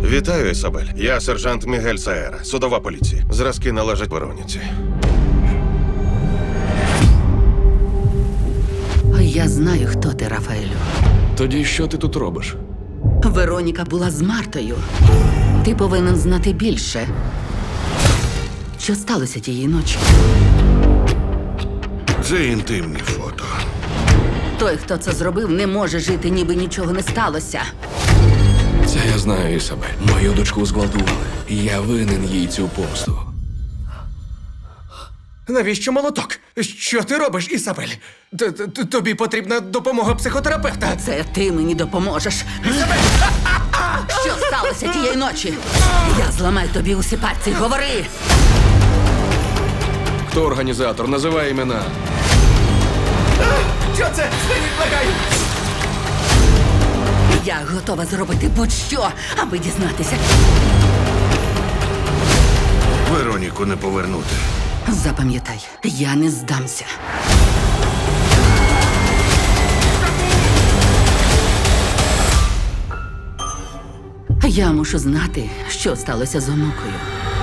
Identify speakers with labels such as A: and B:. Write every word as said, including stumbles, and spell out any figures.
A: Вітаю, Ісабель. Я сержант Мігель Саера, судова поліція. Зразки належать Вероніці.
B: Я знаю, хто ти, Рафаелю.
C: Тоді що ти тут робиш?
B: Вероніка була з Мартою. Ти повинен знати більше. Що сталося тієї ночі?
D: Це інтимні фото.
B: Той, хто це зробив, не може жити, ніби нічого не сталося.
C: Це я знаю, Ісабель. Мою дочку зґвалтували. Я винен їй цю помсту.
E: Навіщо молоток? Що ти робиш, Ісабель? Т- т- Тобі потрібна допомога психотерапевта.
B: Це ти мені допоможеш. Що сталося тієї ночі? Я зламаю тобі усі пальці. Говори!
C: Хто організатор? Називай імена.
E: Що це? Спиніть, благаю!
B: Я готова зробити будь-що, аби дізнатися.
D: Вероніку не повернути.
B: Запам'ятай, я не здамся. Я мушу знати, що сталося з онукою.